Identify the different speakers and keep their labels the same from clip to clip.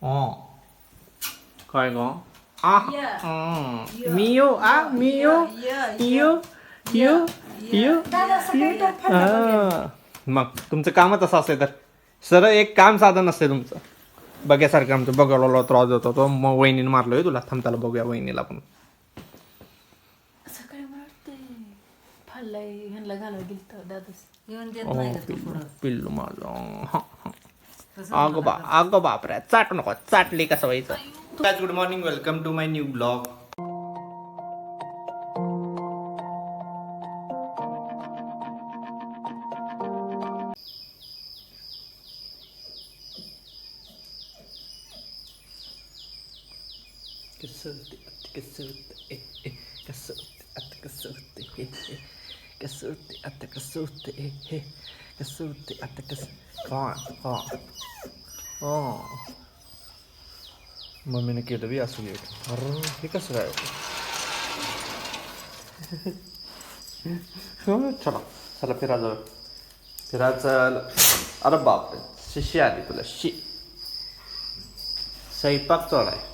Speaker 1: काय ग मियो मियो यू यू यू मग तुमचं कामच असं असेल तर सर एक काम साधन नसते तुमचं बघ्यासारखं आमचं बघायला त्रास होतो तो मग वहिनीने मारलोय तुला थांबताला बघूया वहिनीला पण
Speaker 2: सकाळी मला वाटते फाडलाय ह्यांना घालावं गेलं दादाच येऊन देत नाही
Speaker 1: पिल्लू माझं अगं बापरे चाट नको चाटली कसं व्हायचं good morning welcome to my new blog मम्मीने केलं बी असू अरे हे कसं काय चला चला फिरा जाऊ फिरा चल अरे बापरे शिशी आली तुला स्वयंपाक चालू आहे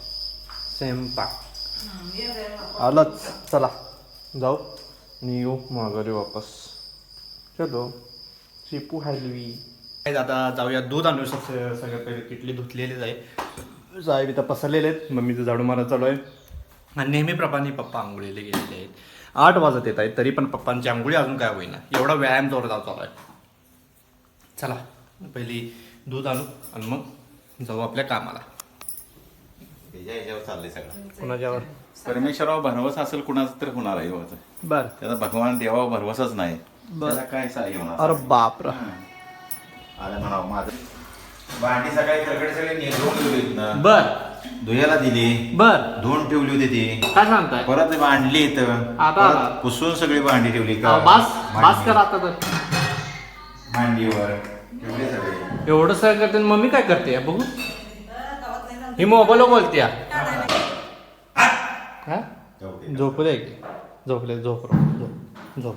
Speaker 1: स्वयंपाक आलंच चला जाऊ आणि येऊ माघारी वापस चलो चिपू हलवी आता जाऊया दूध आणू सगळ्यात पहिले किटली धुतलेलीच आहे साहेब इथं पसरलेले आहेत मम्मीचं झाडू मारा चालू आहे आणि नेहमीप्रमाणे पप्पा आंघोळीला गेलेले आहेत 8 वाजत येत आहेत तरी पण पप्पांची आंघोळी अजून काय होईना एवढा व्यायाम जोरदार चालू आहे चला पहिली दूध आणू आणि मग जाऊ आपल्या कामाला
Speaker 3: याच्यावर चाललंय सगळं
Speaker 1: कुणाच्यावर
Speaker 3: परमेश्वरावर भरवस असेल कुणाचं तर होणार आहे
Speaker 1: बर
Speaker 3: त्याचा भगवान देवावर भरवसच नाही त्याला काय सहाय्य होणार
Speaker 1: अरे बाप रे
Speaker 3: आलं म्हणावं माझं भांडी सकाळी कडकडे सगळे धुवून ठेवली होती ना
Speaker 1: बर
Speaker 3: धुयाला दिली
Speaker 1: बर
Speaker 3: धुवून ठेवली होती ती
Speaker 1: काय सांगताय
Speaker 3: परत मांडली इथं
Speaker 1: आता
Speaker 3: परत पुसून सगळी भांडी ठेवली
Speaker 1: बास करा आता तर
Speaker 3: मांडीवर ठेवली सगळे
Speaker 1: एवढं सगळं करते मम्मी काय करते बघू ही मोबाईल बोलते झोपले झोपले झोप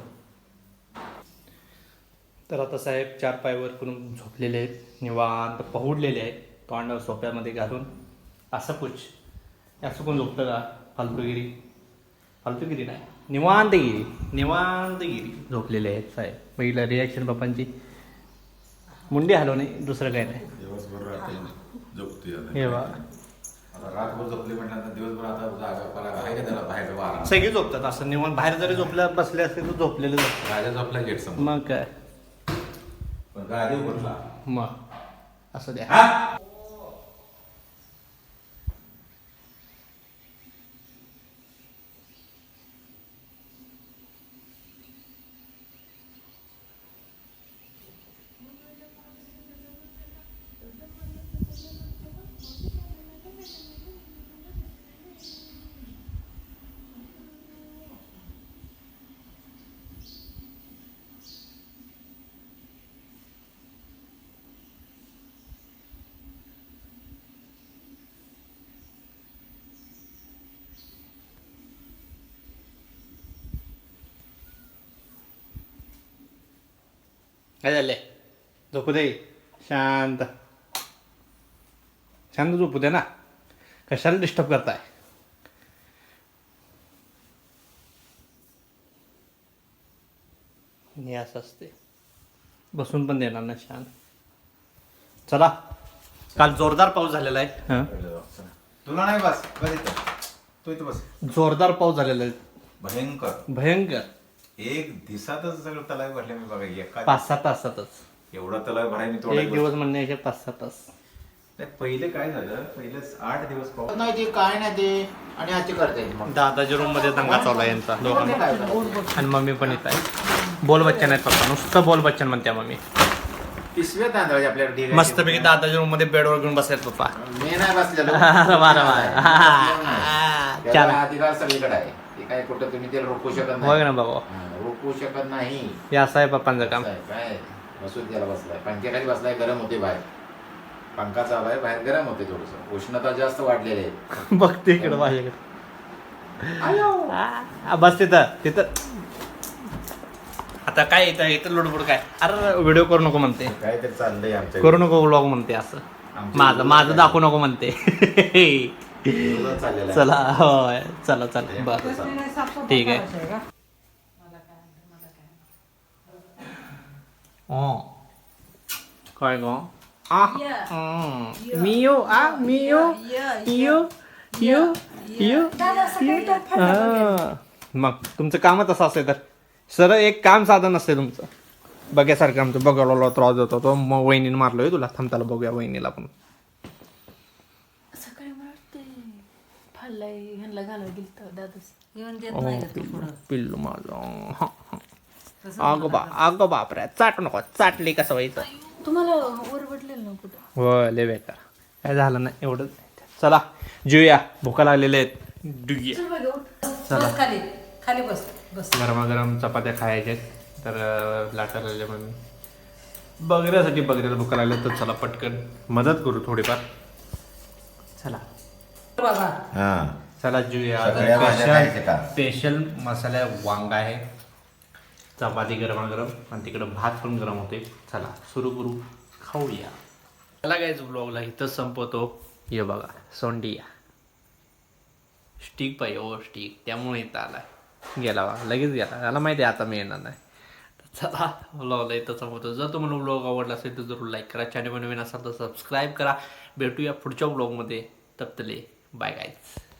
Speaker 1: तर आता साहेब 4 पायवर करून झोपलेले आहेत निवांत पहुडलेले आहेत तोंडावर सोप्यामध्ये घालून असं पुछ असं कोण झोपतं का फालतूगिरी नाही निवांतगिरी झोपलेले आहेत साहेब पहिलं रिॲक्शन पप्पांची मुंडी हलव नाही दुसरं काही नाही हे बा
Speaker 3: रातभर झोपले म्हटल्यानंतर दिवसभर आता जागा आहे का त्याला बाहेर वारा
Speaker 1: सगळे झोपतात असं निवांत बाहेर जरी झोपल्या बसले असते तर झोपलेले
Speaker 3: राजा झोपला गेट समोर
Speaker 1: मग काय
Speaker 3: पण गादी उघडला
Speaker 1: मग असं द्या काय झाले झोपू दे शांत शांत झोपू दे ना कशाला डिस्टर्ब करताय हे असं असते बसून पण देणार ना शांत चला काल जोरदार पाऊस झालेला आहे
Speaker 3: तुला नाही बस तू इथं बस
Speaker 1: जोरदार पाऊस झालेला आहे भयंकर
Speaker 3: एक दिवसातच सगळं तलाव भरले मी बघा एका
Speaker 1: 5-6 तासातच
Speaker 3: एवढा तलाव भराय मी
Speaker 1: एक दिवस म्हणण्याचे 5-6 तास
Speaker 3: पहिले काय झालं पहिले 8 दिवस पाऊस
Speaker 4: नाही ते काय नाही ते आणि आजची करते
Speaker 1: दादाच्या रूम मध्ये दंगा चालू आहे यांचा दोघांना आणि मम्मी पण येत आहे बोल बच्चन आहेत पप्पा नुसतं बोल बच्चन म्हणते मम्मी
Speaker 4: पिशव्या तांदळाची आपल्याकडे
Speaker 1: मस्तपैकी दादाच्या रूम मध्ये बेडवर घेऊन बसलेत पप्पा
Speaker 4: मी नाही बसलेलो त्याला अधिकार सगळीकडे आहे ते काय कुठं तुम्ही त्याला रोखू शकत
Speaker 1: बघ
Speaker 4: नाही
Speaker 1: ना बाबा
Speaker 4: रोखू शकत नाही
Speaker 1: हे असं आहे पप्पांचं काम
Speaker 4: काय बसून त्याला बसलाय पंख्याखाली बसलाय गरम होते बाहेर पंखा चालू आहे बाहेर गरम होते थोडस उष्णता जास्त वाढलेली आहे
Speaker 1: बघते इकडं माझ्याकडे बस तिथं आता काय इथं लुडबुड काय अरे व्हिडिओ करू नको म्हणते
Speaker 3: काय तरी चाललंय आमच्या
Speaker 1: करू नको व्लॉग म्हणते असं माझं दाखवू नको म्हणते.
Speaker 4: विरोधात चाललेला आहे.
Speaker 1: चला होय चला चला बरं ठीक आहे. काय गो मियो मियो मग तुमचं कामच असं असेल तर सरळ एक काम साधन असते तुमचं बघ्यासारखं आमचं बघायला त्रास होतो तो मग वहिनीने मारलोय तुला थांबताला बघूया वहिनीला पण.
Speaker 2: सकाळी मला वाटते फाडलाय ह्यांना घालायला गेलं दादूस येऊन देत नाही का तो पुढं
Speaker 1: पिल्लू माझं अगं बापरे चाट नको चाटली कसं व्हायचं.
Speaker 2: तुम्हाला ओरबडलेलं ना कुठं
Speaker 1: होय लय बेकार काय झालं नाही एवढंच. चला जेऊया भुका लागलेल्या आहेत डुया.
Speaker 2: चल बघ, उठ. बस खाली खाली बस बस.
Speaker 1: गरमागरम चपात्या खायच्या तर लाटायला लागल्या मग मी बघण्यासाठी बघण्याला भुका लागल्या तर चला पटकन मदत करू थोडीफार. चला
Speaker 2: बाबा
Speaker 3: हा
Speaker 1: चला जेऊया.
Speaker 3: सगळ्या भाज्या खायच्या का?
Speaker 1: स्पेशल मसाला वांगा आहे चपाती गरमागरम आणि तिकडं भात पण गरम होते. चला सुरू करू खाऊया. चला कायच ब्लॉगला इथंच संपवतो. हे बघा सोंडिया स्टिक पाहिजे ओ स्टिक त्यामुळे इथं आलाय गेला बघा लगेच गेला त्याला माहिती आहे आता मी येणार नाही. चला ब्लॉगला इथं संपवतो. जर तुम्हाला ब्लॉग आवडला असेल तर जरूर लाईक करा. चॅनल नवीन असाल तर सबस्क्राईब करा. भेटूया पुढच्या ब्लॉगमध्ये. तपतले बाय गाईज.